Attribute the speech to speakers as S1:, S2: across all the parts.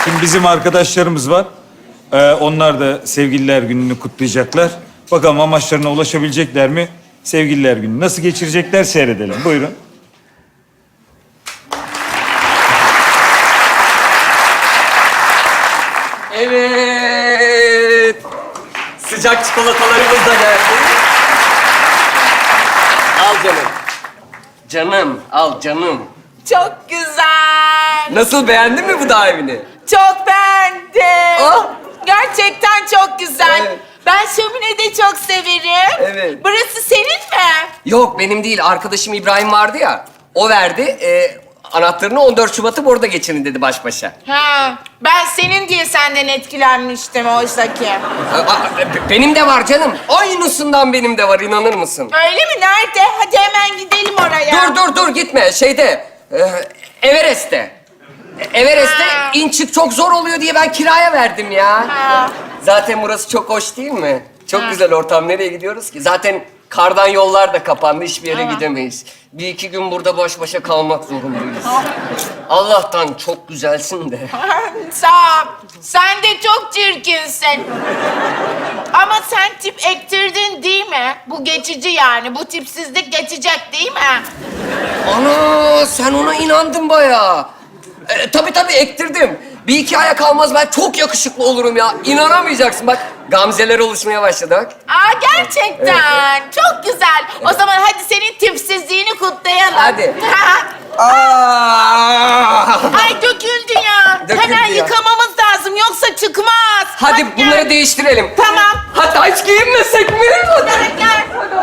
S1: Şimdi bizim arkadaşlarımız var. Onlar da Sevgililer Günü'nü kutlayacaklar. Bakalım amaçlarına ulaşabilecekler mi? Sevgililer Günü nasıl geçirecekler seyredelim. Buyurun.
S2: Evet. Sıcak çikolatalarımız da geldi. Al canım. Canım, al canım.
S3: Çok güzel.
S2: Nasıl, beğendin mi bu dağ evini?
S3: Çok beğendim.
S2: Ah!
S3: Gerçekten çok güzel.
S2: Evet.
S3: Ben şömine de çok severim.
S2: Evet.
S3: Burası senin mi?
S2: Yok, benim değil. Arkadaşım İbrahim vardı ya. O verdi. Anahtarını 14 Şubat'ı burada geçirin dedi baş başa.
S3: Ha, ben senin diye senden etkilenmiştim oysaki.
S2: Benim de var canım. Aynısından benim de var, inanır mısın?
S3: Öyle mi? Nerede? Hadi hemen gidelim oraya.
S2: Dur gitme. Everest'te. Everest'te
S3: Ha.
S2: in çık çok zor oluyor diye ben kiraya verdim ya.
S3: Ha.
S2: Zaten burası çok hoş değil mi? Çok
S3: Ha.
S2: güzel ortam. Nereye gidiyoruz ki? Zaten kardan yollar da kapandı. Hiçbir yere
S3: Ama.
S2: gidemeyiz. Bir iki gün burada baş başa kalmak zorundayız. Allah'tan çok güzelsin de.
S3: Sağ ol. Sen de çok çirkinsin. Ama sen tip ektirdin değil mi? Bu geçici yani. Bu tipsizlik geçecek değil mi?
S2: Ana, sen ona inandın bayağı. Tabii ektirdim. Bir iki aya kalmaz ben çok yakışıklı olurum ya. İnanamayacaksın bak. Gamzeler oluşmaya başladı bak.
S3: Aa gerçekten. Çok güzel. O zaman hadi senin tipsizliğini kutlayalım.
S2: Hadi. Aa!
S3: Ay döküldü ya.
S2: Döküldü
S3: Hemen
S2: ya.
S3: yıkamamız lazım yoksa çıkmaz.
S2: Hadi
S3: gel.
S2: bunları değiştirelim.
S3: Tamam.
S2: Hatta hiç giyinmesek mi?
S3: Hadi gel.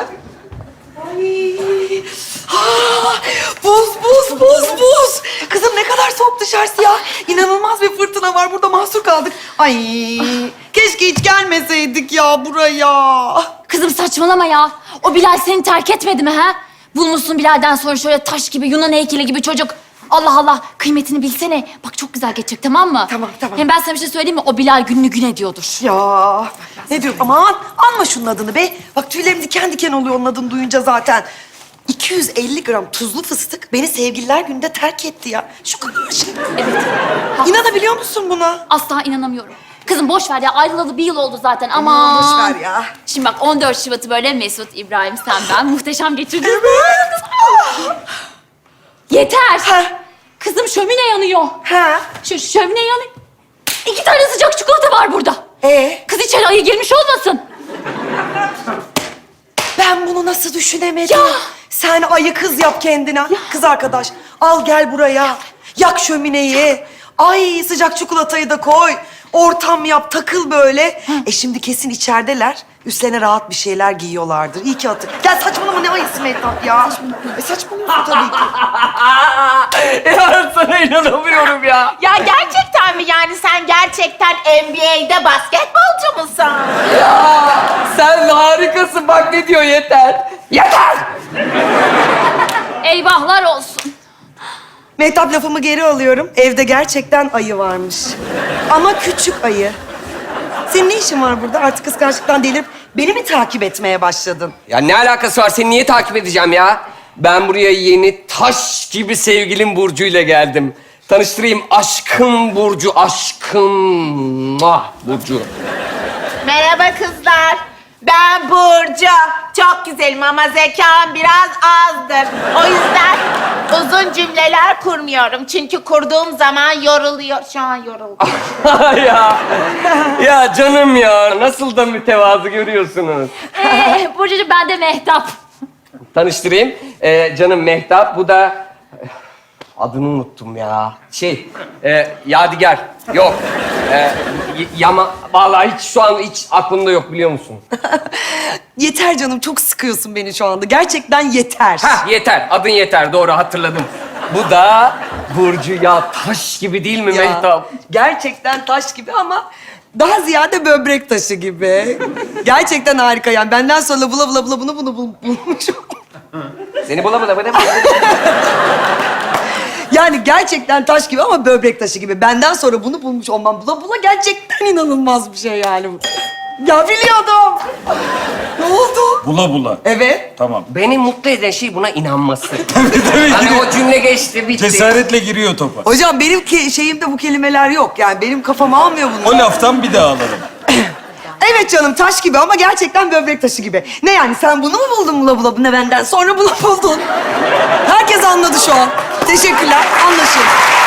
S4: Buz. Kızım ne kadar soğuk dışarısı ya. İnanılmaz bir fırtına var. Burada mahsur kaldık. Ay keşke hiç gelmeseydik ya buraya.
S5: Kızım saçmalama ya. O Bilal seni terk etmedi mi ha? Bulmuşsun Bilal'den sonra şöyle taş gibi, Yunan heykeli gibi çocuk. Allah Allah, kıymetini bilsene. Bak çok güzel geçecek, tamam mı?
S4: Tamam.
S5: Hem ben sana bir şey söyleyeyim mi? O Bilal gününü gün ediyordur.
S4: Ya ne diyorum aman anma şunun adını be. Bak tüylerim diken diken oluyor onun adını duyunca zaten. 250 gram tuzlu fıstık beni Sevgililer Günü'nde terk etti ya. Şu kadar şey.
S5: Evet.
S4: İnanabiliyor musun buna?
S5: Asla inanamıyorum. Kızım boş ver ya. Ayrılalı bir yıl oldu zaten. Aman.
S4: boş ver ya.
S5: Şimdi bak 14 Şubat'ı böyle Mesut, İbrahim, sen, ben muhteşem geçirdik. Yeter.
S4: Ha.
S5: Kızım şömine yanıyor.
S4: Ha?
S5: Şu şömine yanıyor. 2 tane sıcak çikolata var burada. Kız içeri ayı girmiş olmasın?
S4: Ben bunu nasıl düşünemedim?
S5: Ya.
S4: Sen ayı kız yap kendine. Kız arkadaş al gel buraya. Yak şömineyi. Ay sıcak çikolatayı da koy. Ortam yap takıl böyle. Şimdi kesin içerideler. Üstlerine rahat bir şeyler giyiyorlardır. İyi ki hatır. Gel saçmalama ne ayısı Mehtap ya. Saçmalıyorsun tabii ki.
S2: Ya sana inanamıyorum ya.
S3: Ya gerçekten mi? Yani sen gerçekten NBA'de basketbolcu musun?
S2: Sen harikasın bak ne diyor yeter. Yeter!
S5: Eyvahlar olsun.
S4: Mehtap lafımı geri alıyorum. Evde gerçekten ayı varmış. Ama küçük ayı. Senin ne işin var burada? Artık kıskançlıktan delirip beni mi takip etmeye başladın?
S2: Ya ne alakası var? Seni niye takip edeceğim ya? Ben buraya yeni taş gibi sevgilim Burcu ile geldim. Tanıştırayım. Aşkım Burcu, aşkım. Muah, Burcu.
S3: Merhaba kızlar. Ben Burcu. Çok güzelim ama zekam biraz azdır. O yüzden uzun cümleler kurmuyorum. Çünkü kurduğum zaman yoruluyor. Şu an yoruldum.
S2: Ya canım ya. Nasıl da mütevazı görüyorsunuz.
S5: Burcucuğum ben de Mehtap.
S2: Tanıştırayım. Canım Mehtap. Bu da... Adını unuttum ya. Yadigar. Yok. Yama... Vallahi hiç şu an hiç aklımda yok biliyor musun?
S4: Yeter canım, çok sıkıyorsun beni şu anda. Gerçekten yeter.
S2: Hah yeter. Adın yeter. Doğru hatırladım. Bu da Burcu ya. Taş gibi değil mi
S4: Ya,
S2: Mehtap?
S4: gerçekten taş gibi ama daha ziyade böbrek taşı gibi. Gerçekten harika yani. Benden sonra bula bula bunu bulmuşum.
S2: Seni bulamadım.
S4: Yani gerçekten taş gibi ama böbrek taşı gibi. Benden sonra bunu bulmuş olmam bula bula gerçekten inanılmaz bir şey yani bu. Ya biliyordum. Ne oldu?
S1: Bula bula.
S4: Evet.
S1: Tamam.
S2: Beni mutlu eden şey buna inanması.
S1: Tabii
S2: Hani o cümle geçti, bitti.
S1: cesaretle giriyor topa.
S4: Hocam benim şeyimde bu kelimeler yok. Yani benim kafam almıyor bunu.
S1: O laftan bir daha alalım.
S4: Evet canım taş gibi ama gerçekten böbrek taşı gibi. Ne yani sen bunu mu buldun bula bula ne benden sonra bunu buldun? Herkes anladı şu an. Teşekkürler. Anlaşıldı.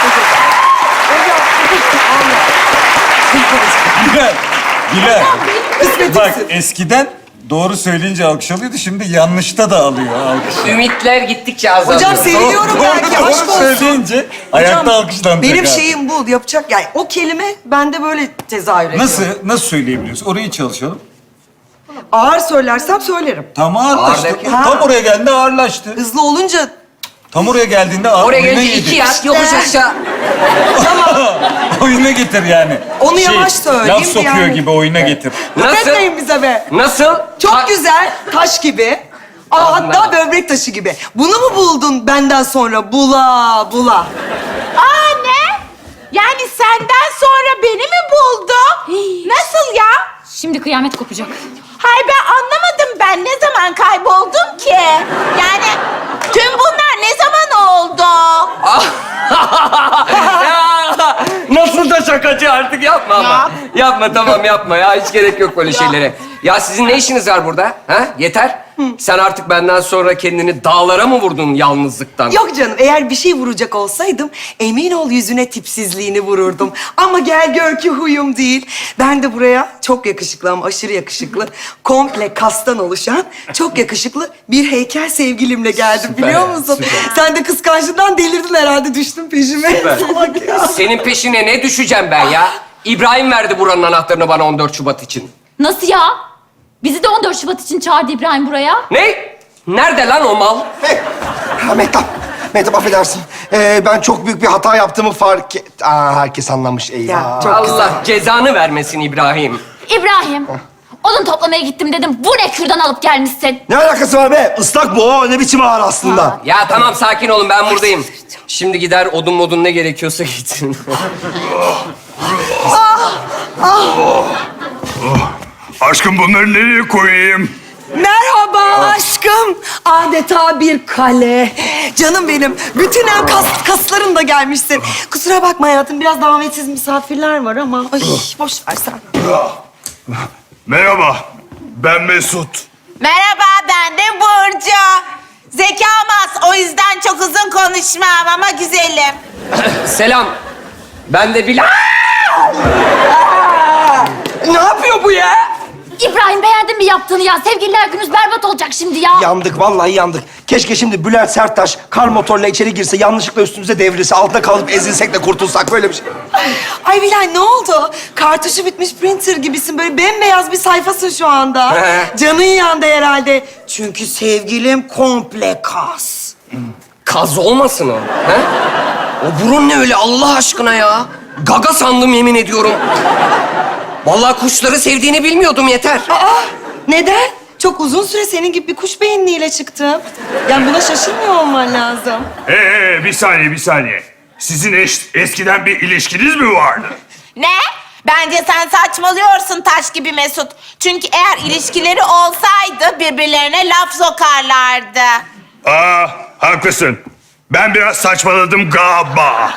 S1: Bilal. Bilal.
S4: Kısmetimsin.
S1: Bak eskiden doğru söyleyince alkış alıyordu. Şimdi yanlışta da alıyor alkış.
S2: Ümitler gittikçe azalıyor.
S4: Hocam seviniyorum belki.
S1: Doğru
S4: Aşk olsun.
S1: söyleyince ayakta
S4: Hocam,
S1: alkışlanacak.
S4: benim
S1: abi.
S4: şeyim bu. Yapacak yani o kelime bende böyle tezahür ediyor.
S1: Nasıl söyleyebiliyorsun? Orayı çalışalım.
S4: Ağır söylersem söylerim.
S1: Tam ağırlaştı.
S2: Ağır derken?
S1: Tam oraya geldiğinde ağırlaştı.
S4: Hızlı olunca
S1: Tam oraya geldiğinde ağır
S2: Oraya
S1: oyuna
S2: gelince
S1: getir.
S2: iki yat, yokuş aşağı.
S1: Oyuna getir yani.
S4: Onu yavaş söyleyeyim
S1: Laf sokuyor
S4: yani.
S1: gibi oyuna getir.
S2: Nasıl?
S4: etmeyin bize be.
S2: Nasıl?
S4: Çok güzel, taş gibi. Aa, hatta
S2: Anladım.
S4: böbrek taşı gibi. Bunu mu buldun benden sonra? Bula bula.
S3: Aa ne? Yani senden sonra beni mi buldu? Nasıl ya?
S5: Şimdi kıyamet kopacak.
S3: Hay ben anlamadım, ben ne zaman kayboldum ki? Yani tüm bunlar ne zaman oldu?
S2: Ya, nasıl da şakacı artık yapma ama.
S3: Yap.
S2: Yapma tamam yapma ya hiç gerek yok böyle şeylere. Ya sizin ne işiniz var burada? Ha? Yeter. Sen artık benden sonra kendini dağlara mı vurdun yalnızlıktan?
S4: Yok canım, eğer bir şey vuracak olsaydım emin ol yüzüne tipsizliğini vururdum. Ama gel gör ki huyum değil. Ben de buraya çok yakışıklı ama aşırı yakışıklı, komple kastan oluşan çok yakışıklı bir heykel sevgilimle geldim
S2: Süper
S4: biliyor
S2: ya,
S4: musun?
S2: süper.
S4: Sen de kıskançlığından delirdin herhalde, düştün peşime. Salak ya.
S2: Senin peşine ne düşeceğim ben ya? İbrahim verdi buranın anahtarını bana 14 Şubat için.
S5: Nasıl ya? Bizi de 14 Şubat için çağırdı İbrahim buraya.
S2: Ne? Nerede lan o mal?
S6: Ha, Mehtap affedersin. Ben çok büyük bir hata yaptığımı fark et... herkes anlamış eyvah.
S4: Ya, çok
S2: Allah cezanı vermesin İbrahim.
S5: İbrahim, odun toplamaya gittim dedim. Bu ne kürdan alıp gelmişsin?
S6: Ne alakası var be? Islak bu o. Ne biçim ağır aslında.
S2: Ya tamam sakin olun ben buradayım. Şimdi gider odun modun ne gerekiyorsa getirin.
S7: Aşkım bunları nereye koyayım?
S4: Merhaba aşkım. Adeta bir kale. Canım benim. Bütün kasların da gelmişsin. Kusura bakma hayatım. Biraz davetsiz misafirler var ama. Ay boş ver sen.
S7: Merhaba, ben Mesut.
S3: Merhaba, ben de Burcu. Zekam az, o yüzden çok uzun konuşmam ama güzelim.
S2: Selam. Ben de Bilal. Ne yapıyor bu ya?
S5: İbrahim beğendin mi yaptığını ya? Sevgililer günümüz berbat olacak şimdi ya.
S6: Yandık, vallahi yandık. Keşke şimdi Bülent Serttaş kar motorla içeri girse, yanlışlıkla üstümüze devrilse, altında kalıp ezilsek de kurtulsak, böyle bir şey.
S4: Ay Bilal ne oldu? Kartuşu bitmiş printer gibisin. Böyle bembeyaz bir sayfasın şu anda.
S2: He.
S4: Canın yandı herhalde. Çünkü sevgilim komple kas.
S2: Kaz olmasın o. He? O burun ne öyle Allah aşkına ya? Gaga sandım yemin ediyorum. Vallahi kuşları sevdiğini bilmiyordum yeter.
S4: Aa neden? Çok uzun süre senin gibi bir kuş beyinliğiyle çıktım. Yani buna şaşırmıyor olman lazım.
S7: Bir saniye. Sizin eskiden bir ilişkiniz mi vardı?
S3: Ne? Bence sen saçmalıyorsun taş gibi Mesut. Çünkü eğer ilişkileri olsaydı birbirlerine laf sokarlardı.
S7: Haklısın. Ben biraz saçmaladım galiba.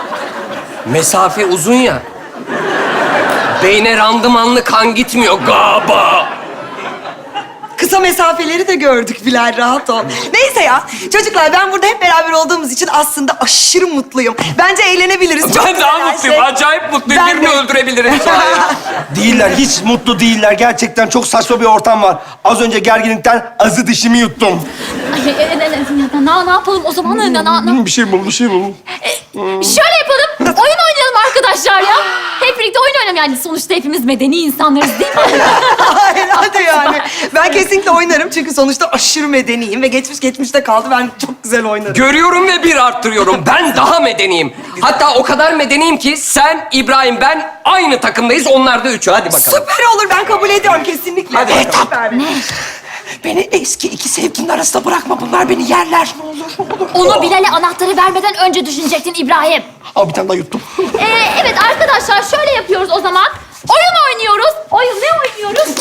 S2: Mesafe uzun ya. Beyne randımanlı kan gitmiyor galiba.
S4: Kısa mesafeleri de gördük Bilal, rahat ol. Neyse ya, çocuklar ben burada hep beraber olduğumuz için aslında aşırı mutluyum. Bence eğlenebiliriz. Çok
S2: Ben
S4: güzel
S2: daha
S4: her
S2: mutluyum.
S4: şey.
S2: Acayip mutluyum.
S4: Ben
S2: Birini
S4: de.
S2: öldürebilirim sonra ya.
S6: Değiller, hiç mutlu değiller. Gerçekten çok saçma bir ortam var. Az önce gerginlikten azı dişimi yuttum.
S5: Ay, ne yapalım o zaman?
S6: Bir şey bul.
S5: Şöyle yapalım. Oyun oynayalım arkadaşlar ya. Hep birlikte oyun oynayalım yani. Sonuçta hepimiz medeni insanlarız değil mi?
S4: Hayır, hadi yani. Ben kesinlikle oynarım çünkü sonuçta aşırı medeniyim ve geçmişte kaldı. Ben çok güzel oynarım.
S2: Görüyorum ve bir arttırıyorum. Ben daha medeniyim. Hatta o kadar medeniyim ki sen, İbrahim, ben aynı takımdayız. Onlar da üçü. Hadi bakalım.
S4: Süper olur, ben kabul ediyorum kesinlikle.
S2: Hadi bakalım.
S4: Süper.
S6: Beni eski iki sevgilimin arasında bırakma. Bunlar beni yerler. Ne olur.
S5: Onu Bilal'e anahtarı vermeden önce düşünecektin İbrahim.
S6: Al bir tane daha yuttum.
S5: Evet arkadaşlar şöyle yapıyoruz o zaman. Oyun oynuyoruz. Ne oynuyoruz?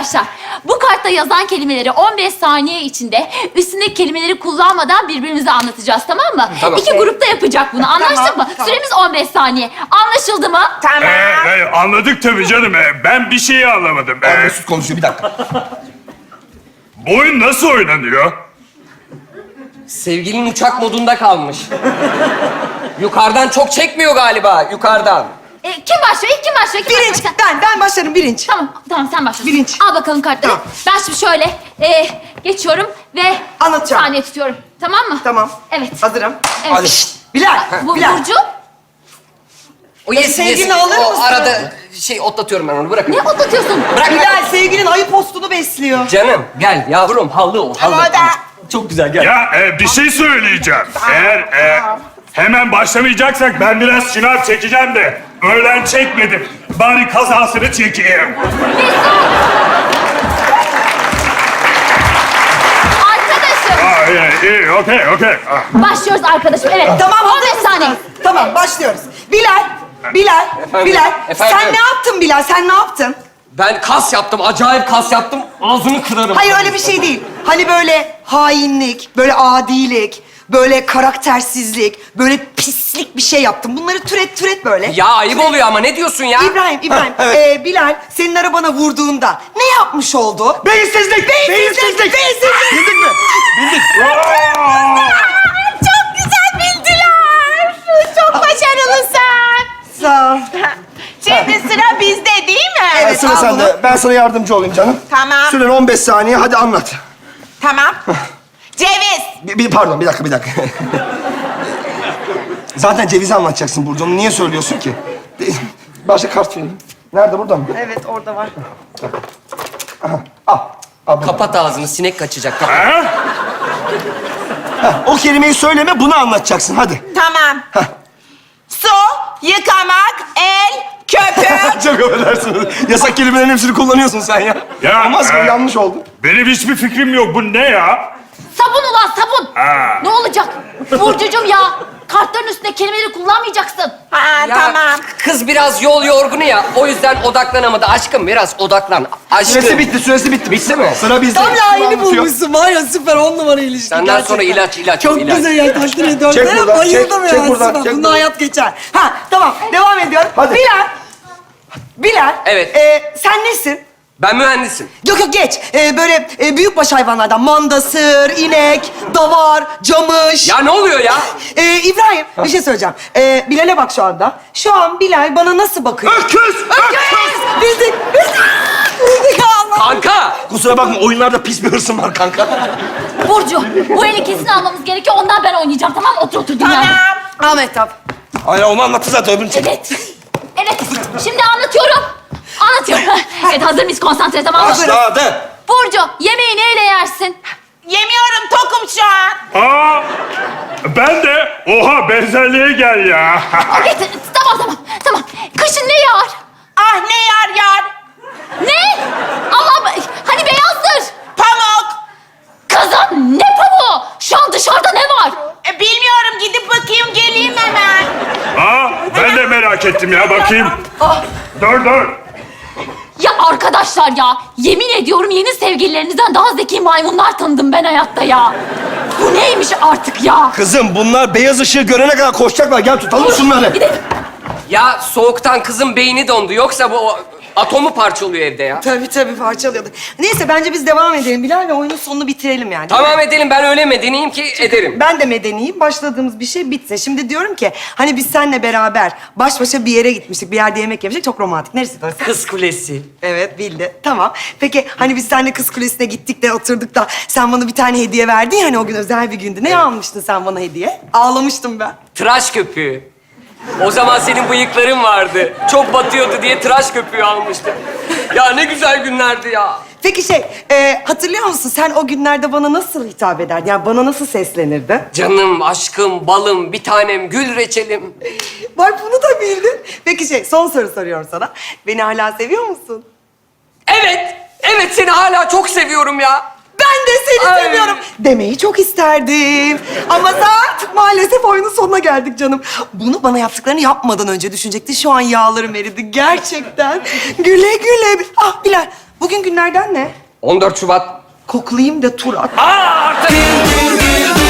S5: arkadaşlar, bu kartta yazan kelimeleri 15 saniye içinde üstündeki kelimeleri kullanmadan birbirimize anlatacağız, tamam mı?
S2: Tamam.
S5: İki grupta yapacak bunu. Anlaştık mı?
S4: tamam.
S5: Süremiz 15 saniye. Anlaşıldı mı?
S3: Tamam.
S7: Anladık tabii canım. Ben bir şeyi anlamadım.
S6: Abi Mesut konuşuyor, bir dakika.
S7: Bu oyun nasıl oynanıyor?
S2: Sevgilin uçak modunda kalmış. Yukarıdan çok çekmiyor galiba, yukarıdan.
S5: Kim başlıyor? İlk kim başlıyor? Kim
S4: Birinç.
S5: başlıyor?
S4: Ben başlarım birinç.
S5: Tamam sen başla.
S4: Birinci.
S5: Al bakalım kartları.
S4: Tamam.
S5: Ben şimdi şöyle geçiyorum ve
S4: Anlatacağım.
S5: saniye tutuyorum. Tamam mı?
S4: Tamam.
S5: Evet.
S4: Hazırım.
S5: Evet.
S6: Hadi.
S4: Bilal. Bilal.
S5: Burcu,
S2: O yes,
S4: sevgilini alır
S2: O
S4: mısın?
S2: arada otlatıyorum ben onu, bırakın.
S5: ne otlatıyorsun?
S2: Bırak.
S4: Bilal sevgilin ayı postunu besliyor.
S2: Canım, gel yavrum, hallı ol, hallı.
S3: Ama da
S2: Çok güzel, gel.
S7: Ya bir şey söyleyeceğim. Eğer hemen başlamayacaksak ben biraz şınav çekeceğim de öğlen çekmedim. Bari kazasını çekeyim.
S5: Arkadaşım.
S7: İyi, okey.
S5: Başlıyoruz arkadaşım. Evet.
S4: Tamam, hazır
S5: 15
S4: mısınız?
S5: saniye.
S4: Tamam, başlıyoruz. Bilal.
S2: Efendim?
S4: Sen ne yaptın Bilal? Sen ne yaptın?
S2: Ben kas yaptım, acayip kas yaptım. Ağzını kırarım.
S4: Hayır öyle bir şey değil. Hani böyle hainlik, böyle adilik, böyle karaktersizlik, böyle pislik bir şey yaptım. Bunları türet böyle.
S2: Ya ayıp oluyor ama, ne diyorsun ya?
S4: İbrahim. Bilal senin arabana vurduğunda ne yapmış oldu?
S6: Beyinsizlik! Beyinsizlik! Bildik mi? Bildik.
S3: çok güzel bildiler. Çok başarılısın.
S4: Sağ ol.
S3: Şimdi sıra bizde değil mi?
S4: Evet.
S6: Sıra
S4: al
S6: sende. Ben sana yardımcı olayım canım.
S3: Tamam.
S6: Süren 15 saniye. Hadi anlat.
S3: Tamam. Ceviz.
S6: Pardon, bir dakika. Zaten cevizi anlatacaksın Burcu. Onu niye söylüyorsun ki? Başka kart vereyim. Nerede? Burada mı?
S4: Evet orada var.
S6: Al. Al.
S2: Kapat ağzını, sinek kaçacak. Kapat.
S6: O kelimeyi söyleme, bunu anlatacaksın. Hadi.
S3: Tamam. Su, yıkamak, el, köpük.
S6: Çok affedersiniz. Yasak kelimelerin hepsini kullanıyorsun sen ya.
S7: Ya,
S6: Olmaz mı? Yanlış oldu.
S7: Benim hiçbir fikrim yok. Bu ne ya?
S5: Sabun ulan sabun.
S7: Ha.
S5: Ne olacak? Burcucuğum ya. Kartların üstünde kelimeleri kullanmayacaksın.
S3: Ha,
S2: Ya,
S3: tamam.
S2: kız biraz yol yorgunu ya. O yüzden odaklanamadı. Aşkım biraz odaklan. Aşkım.
S6: Süresi bitti.
S2: Bitti mi?
S6: Sıra bizde.
S4: Tam layığını
S6: Anlatıyor.
S4: bulmuşsun var ya, süper 10 numara ilişki.
S2: Senden
S4: gerçekten.
S2: sonra ilaç.
S4: Çok
S2: ilaç.
S4: güzel ya, takdir ediyorum.
S6: Çek
S4: Ben
S6: buradan,
S4: bayıldım
S6: çek
S4: ya.
S6: buradan,
S4: süper.
S6: çek
S4: Bunda
S6: buradan.
S4: hayat geçer. Ha tamam, devam ediyorum.
S6: Hadi.
S4: Bilal.
S2: Evet.
S4: Sen nesin?
S2: Ben mühendisim.
S4: Yok geç. Böyle büyükbaş hayvanlardan manda, sığır, inek, davar, camış.
S2: Ya ne oluyor ya?
S4: İbrahim bir şey söyleyeceğim. Bilal'e bak şu anda. Şu an Bilal bana nasıl bakıyor?
S6: Öküz!
S4: Bildik. Bildik Allah.
S2: Kanka!
S6: Kusura bakma, oyunlarda pis bir hırsım var kanka.
S5: Burcu, bu eli kesin almamız gerekiyor. Ondan ben oynayacağım, tamam mı? Otur dünyaya.
S3: Tamam.
S4: Ahmet abi.
S6: Aynen, onu anlattı zaten, öbürünü çek.
S5: Evet. Şimdi anlatıyorum. Evet, hazır mıyız? Konsantre, tamam mı?
S6: Başladı.
S5: Burcu, yemeği neyle yersin?
S3: Yemiyorum, tokum şu an.
S7: Ben de. Oha, benzerliğe gel ya.
S5: Evet, tamam. Kışın ne yağar?
S3: Ah ne yar.
S5: Ne? Allah'ım, hani beyazdır.
S3: Pamuk.
S5: Kızım, ne pamuğu? Şu an dışarıda ne var?
S3: Bilmiyorum, gidip bakayım geleyim hemen.
S7: Ben de merak ettim ya, bakayım. Dur.
S5: Ya arkadaşlar ya, yemin ediyorum yeni sevgililerinizden daha zeki maymunlar tanıdım ben hayatta ya. Bu neymiş artık ya?
S6: Kızım, bunlar beyaz ışığı görene kadar koşacaklar. Gel tutalım şunları.
S5: Gidelim.
S2: Ya soğuktan kızın beyni dondu. Yoksa bu atomu parçalıyor evde ya.
S4: Tabii parçalıyordu. Neyse bence biz devam edelim Bilal ve oyunun sonunu bitirelim yani.
S2: Tamam edelim, ben öyle medeniyim ki ederim.
S4: Ben de medeniyim. Başladığımız bir şey bitsin. Şimdi diyorum ki hani biz seninle beraber baş başa bir yere gitmiştik. Bir yerde yemek yemiştik. Çok romantik. Neresi orası?
S2: Kız Kulesi.
S4: Evet bildi. Tamam. Peki hani biz seninle Kız Kulesi'ne gittik de oturduk da sen bana bir tane hediye verdin ya, hani o gün özel bir gündü. Ne almıştın sen bana hediye? Ağlamıştım ben.
S2: Tıraş köpüğü. O zaman senin bıyıkların vardı. Çok batıyordu diye tıraş köpüğü almıştım. Ya ne güzel günlerdi ya.
S4: Peki hatırlıyor musun sen o günlerde bana nasıl hitap ederdin? Yani bana nasıl seslenirdin?
S2: Canım, aşkım, balım, bir tanem, gül reçelim.
S4: Bak bunu da bildin. Peki son soru soruyorum sana. Beni hala seviyor musun?
S2: Evet seni hala çok seviyorum ya.
S4: Ben de seni
S2: Ay.
S4: seviyorum demeyi çok isterdim. Ama artık maalesef oyunun sonuna geldik canım. Bunu bana yaptıklarını yapmadan önce düşünecektin. Şu an yağlarım eridi gerçekten. Güle güle. Ah Bilal, Bugün günlerden ne?
S2: 14 Şubat.
S4: Koklayayım da tur at.
S2: Aa artık!